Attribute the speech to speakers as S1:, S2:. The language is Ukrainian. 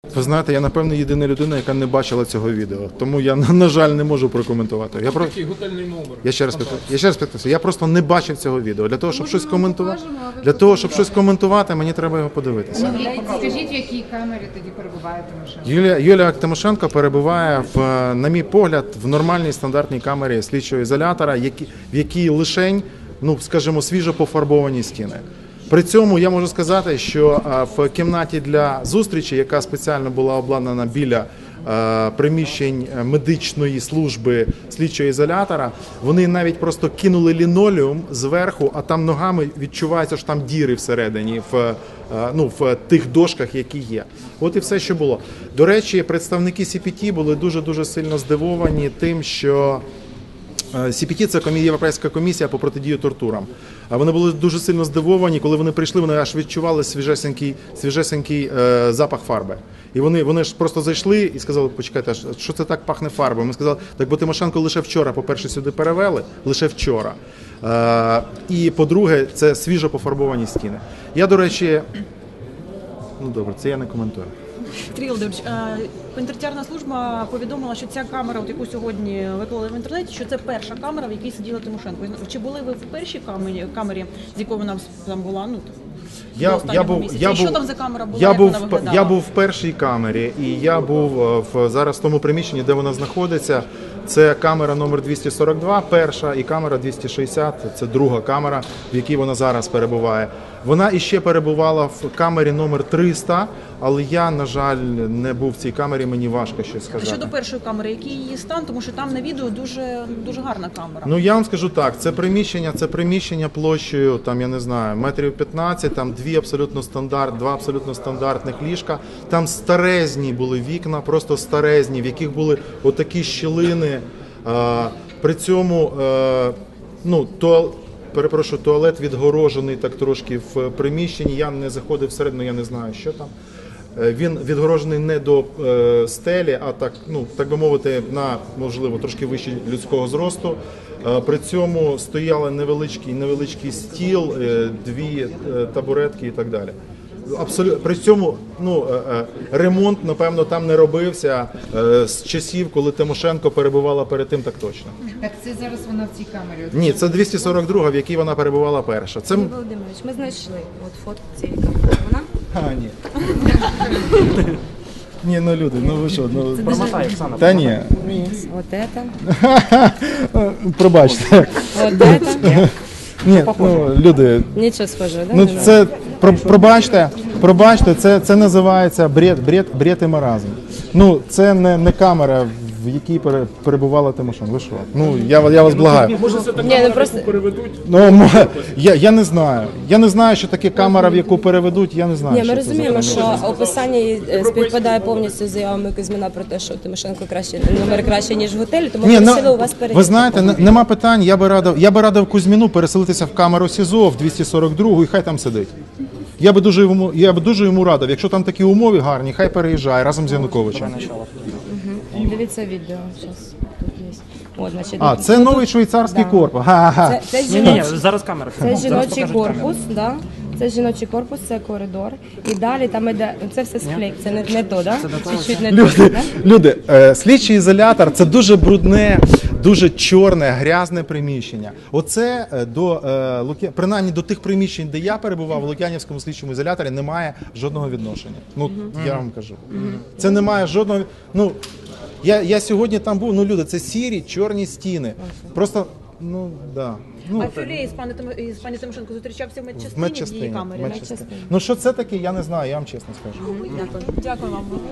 S1: Ви знаєте, я, напевно, єдина людина, яка не бачила цього відео. Тому я, на жаль, не можу прокоментувати.
S2: Такий готельний номер.
S1: Я ще раз підписую. Я просто не бачив цього відео. Для того, щоб щось коментувати, для того, щоб щось коментувати, мені треба його подивитися.
S3: Скажіть, в якій камері тоді перебуває Тимошенко?
S1: Юлія Тимошенко перебуває, на мій погляд, в нормальній стандартній камері слідчого ізолятора, в якій лишень, скажімо, свіжо пофарбовані стіни. При цьому я можу сказати, що в кімнаті для зустрічі, яка спеціально була обладнана біля приміщень медичної служби слідчого ізолятора, вони навіть просто кинули лінолеум зверху, а там ногами відчувається, що там діри всередині, в тих дошках, які є. От і все, що було. До речі, представники CPT були дуже-дуже сильно здивовані тим, що CPT – це Європейська комісія по протидії тортурам. Вони були дуже сильно здивовані, коли вони прийшли, вони аж відчували свіжесенький запах фарби. І вони ж просто зайшли і сказали, почекайте, що це так пахне фарбою? Ми сказали, так бо Тимошенко лише вчора, по-перше, сюди перевели, лише вчора. І, по-друге, це свіжо пофарбовані стіни. Я, до речі, добре, це я не коментую.
S4: Сергій Володимирович, пенітенціарна служба повідомила, що ця камера, яку сьогодні виклали в інтернеті, що це перша камера, в якій сиділа Тимошенко. Чи були ви в першій камері, з якою вона там була? Що там за камера була, як вона виглядала?
S1: Я був в першій камері, і я був зараз в тому приміщенні, де вона знаходиться. Це камера номер 242, перша, і камера 260, це друга камера, в якій вона зараз перебуває. Вона іще перебувала в камері номер 300, але я, на жаль, не був в цій камері, мені важко щось сказати.
S4: Щодо першої камери, який її стан? Тому що там на відео дуже гарна камера.
S1: Я вам скажу так, це приміщення площею, там, я не знаю, метрів 15, там два абсолютно стандартних ліжка. Там старезні були вікна, просто старезні, в яких були отакі щілини. При цьому, туалет відгорожений так трошки в приміщенні, я не заходив всередину, я не знаю, що там. Він відгорожений не до стелі, а так би мовити, можливо, трошки вище людського зросту. При цьому стояли невеличкий стіл, дві табуретки і так далі. При цьому ремонт, напевно, там не робився з часів, коли Тимошенко перебувала перед тим, так точно.
S3: Так це зараз вона в цій камері?
S1: Ні, це 242, в якій вона перебувала перша.
S5: Сергій Володимирович, ми знайшли фотку цієї камери. Вона?
S1: Ні. Ні, люди, ви що?
S2: Промотай, Оксана.
S1: Та ні.
S5: Вот это.
S1: Пробачте.
S5: Вот это.
S1: Ні, люди.
S5: Нічого схожого, да?
S1: Це, пробачте, це називається бред і маразм. Це не камера, в якій перебувала Тимошенко. Ви що? Я вас благаю.
S2: Може, це така камера, яку переведуть?
S1: Я не знаю. Я не знаю, що таке камера, в яку переведуть, я не знаю.
S5: Ні, ми розуміємо, що описання її співпадає повністю з заявами Кузьміна про те, що Тимошенко номер краще, ніж в готелі, тому ми просили у вас перевірити.
S1: Ви знаєте, нема питань, я би радив Кузьміну переселитися в камеру СІЗО, в 242, і хай там сидить. Я би дуже йому радив, якщо там такі умови гарні, хай переїжджає разом з Януковичем.
S5: Дивіться відео, зараз тут є.
S1: Це новий швейцарський корпус.
S2: Ні, зараз камера.
S5: Це жіночий корпус, да? Це жіночий корпус, це коридор. І далі там іде, це все склейк, це не то, да? Чуть-чуть не то, да?
S1: Люди, слідчий ізолятор – це дуже брудне, дуже чорне, грязне приміщення. Оце принаймні до тих приміщень, де я перебував, в Лук'янівському слідчому ізоляторі, немає жодного відношення. Я вам кажу. Це немає жодного. Я сьогодні там був, люди, це сірі, чорні стіни. Просто, да.
S4: А Фюлей з пані Тимошенко зустрічався в медчастині в її камері?
S1: Що це таке, я не знаю, я вам чесно скажу.
S4: Дякую вам.